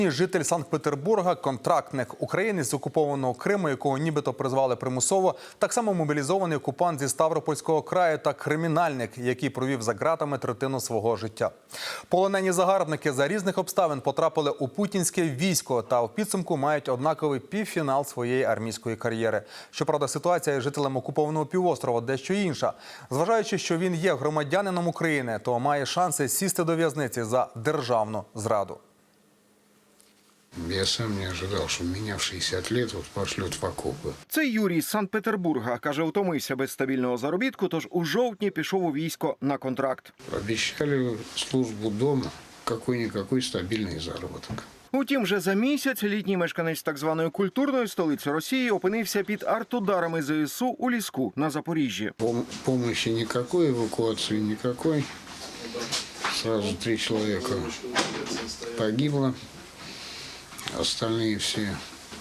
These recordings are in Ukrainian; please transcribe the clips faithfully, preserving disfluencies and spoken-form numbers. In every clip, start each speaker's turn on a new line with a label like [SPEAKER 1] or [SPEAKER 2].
[SPEAKER 1] Житель Санкт-Петербурга, контрактник українець з окупованого Криму, якого нібито призвали примусово, так само мобілізований окупант зі Ставропольського краю та кримінальник, який провів за ґратами третину свого життя. Полонені загарбники за різних обставин потрапили у путінське військо та в підсумку мають однаковий півфінал своєї армійської кар'єри. Щоправда, ситуація із жителем окупованого півострова дещо інша. Зважаючи, що він є громадянином України, то має шанси сісти до в'язниці за державну зраду.
[SPEAKER 2] Я сам не ожидал, что меня в шістдесят лет вот пошлют в окопы.
[SPEAKER 3] Це Юрій з Санкт-Петербурга. Каже, утомився без стабільного заробітку, тож у жовтні пішов у військо на контракт.
[SPEAKER 2] Обещали службу дома, какой-никакой стабильный заработок.
[SPEAKER 3] Утім, вже за місяць літній мешканець так званої культурної столиці Росії опинився під артударами зе ес у у Ліску на Запоріжжі.
[SPEAKER 2] Пом помощи никакой, эвакуации никакой. Сразу три человека погибло. Остальные все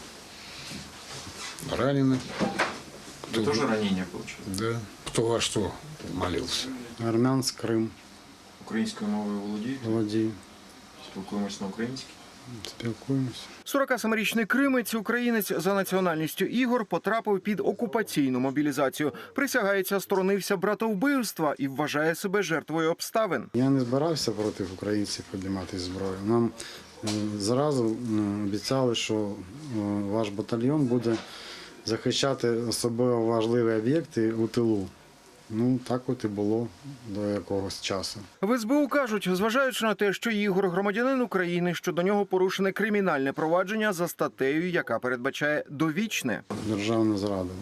[SPEAKER 2] ранены.
[SPEAKER 4] Кто... тоже ранения получили?
[SPEAKER 2] Да. Кто во что молился.
[SPEAKER 5] Армянськ, Крим.
[SPEAKER 4] Українською мовою володієте?
[SPEAKER 5] Володію.
[SPEAKER 4] Спілкуємось на українській?
[SPEAKER 5] Спілкуємося.
[SPEAKER 3] сорокасемирічний кримець, українець за національністю Ігор, потрапив під окупаційну мобілізацію. Присягається, сторонився братовбивства і вважає себе жертвою обставин.
[SPEAKER 5] Я не збирався проти українців піднімати зброю. Нам зразу обіцяли, що ваш батальйон буде захищати особливо важливі об'єкти у тилу. Ну, так от і було до якогось часу.
[SPEAKER 3] В ес бе у кажуть, зважаючи на те, що Ігор громадянин України, що до нього порушене кримінальне провадження за статтею, яка передбачає довічне.
[SPEAKER 5] Державна зрада.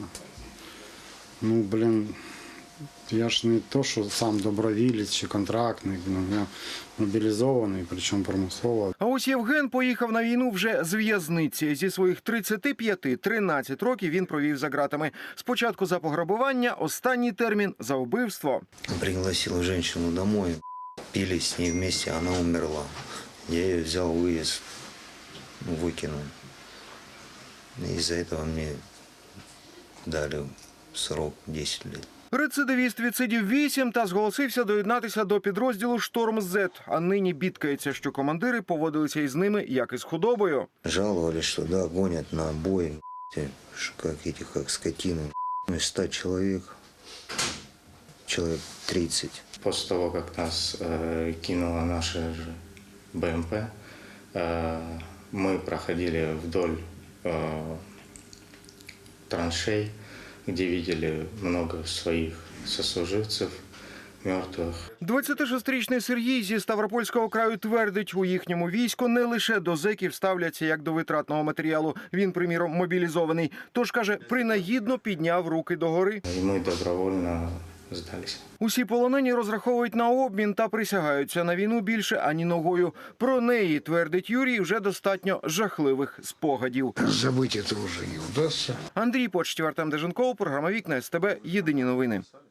[SPEAKER 5] Ну, блін, я ж не то, що сам добровілець чи контрактник, ну, я мобілізований, причому примусово.
[SPEAKER 3] А ось Євген поїхав на війну вже з в'язниці. Зі своїх тридцяти п'яти тринадцять років він провів за ґратами. Спочатку за пограбування, останній термін – за вбивство.
[SPEAKER 6] Пригласил женщину домой, пили с ней вместе, она умерла. Я ее взял, вывез, выкинул. Из-за этого мне дали срок десять лет.
[SPEAKER 3] Рецидивіст відсидів вісім та зголосився доєднатися до підрозділу «Шторм-Зет». А нині бідкається, що командири поводилися із ними, як із худобою.
[SPEAKER 6] Жаловались, что да, гонят на бой, как эти, как скотины. Из ста человек, человек тридцать.
[SPEAKER 7] После того, как нас э, кинула наша же бэ эм пэ, э, мы проходили вдоль э, траншей, где видели много своих сослуживцев мертвых.
[SPEAKER 3] двадцятишестирічний Сергій зі Ставропольського краю твердить, у їхньому війську не лише до зеків ставляться як до витратного матеріалу. Він, приміром, мобілізований. Тож, каже, принагідно підняв руки догори.
[SPEAKER 7] І ми добровольно здалися.
[SPEAKER 3] Усі полонені розраховують на обмін та присягаються на війну більше ані ногою. Про неї, твердить Юрій, вже достатньо жахливих спогадів.
[SPEAKER 2] Забыть это уже не удастся.
[SPEAKER 3] Андрій Почтів, Артем Деженков, програма «Вікна ес те бе», єдині новини.